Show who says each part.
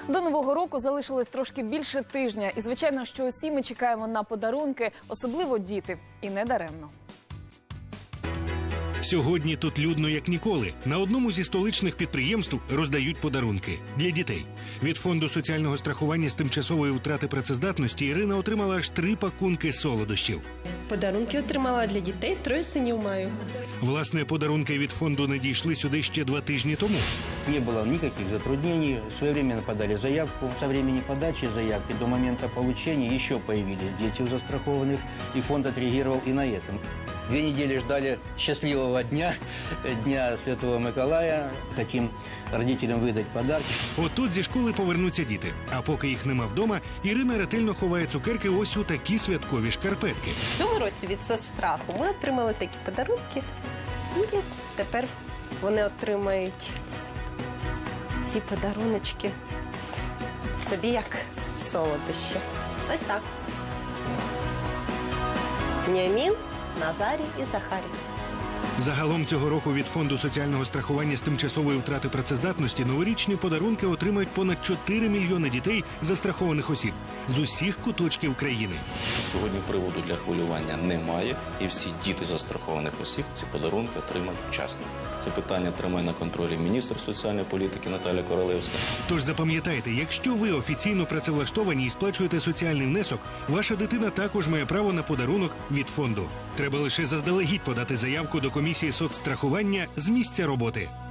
Speaker 1: До Нового року залишилось трошки більше тижня. І, звичайно, що усі ми чекаємо на подарунки, особливо діти. І не даремно.
Speaker 2: Сьогодні тут людно як ніколи. На одному зі столичних підприємств роздають подарунки для дітей. Від фонду соціального страхування з тимчасової втрати працездатності Ірина отримала аж 3 пакунки солодощів.
Speaker 3: Подарунки отримала для дітей, 3 синів маю.
Speaker 2: Власне, подарунки від фонду надійшли сюди ще 2 тижні тому.
Speaker 4: Не было никаких затруднений. Своевременно подали заявку. Со времени подачи заявки до момента получения еще появились дети у застрахованных, и фонд отреагировал и на этом. 2 недели ждали счастливого дня, Дня Святого Миколая. Хотим родителям видати подарки.
Speaker 2: От зі школи повернуться діти. А поки їх нема вдома, Ірина ретельно ховає цукерки ось у такі святкові шкарпетки.
Speaker 3: В цьому році від «Соцстраху» ми отримали такі подарунки. І тепер вони отримають ці подаруночки собі як солодощі. Ось так. Веніамін, Назарій і Захарій.
Speaker 2: Загалом цього року від фонду соціального страхування з тимчасової втрати працездатності новорічні подарунки отримають понад 4 мільйони дітей застрахованих осіб з усіх куточків країни.
Speaker 5: Сьогодні приводу для хвилювання немає, і всі діти застрахованих осіб ці подарунки отримають вчасно. Це питання тримає на контролі міністр соціальної політики Наталія Королевська.
Speaker 2: Тож запам'ятайте, якщо ви офіційно працевлаштовані і сплачуєте соціальний внесок, ваша дитина також має право на подарунок від фонду. Треба лише заздалегідь подати заявку до комісії соцстрахування з місця роботи.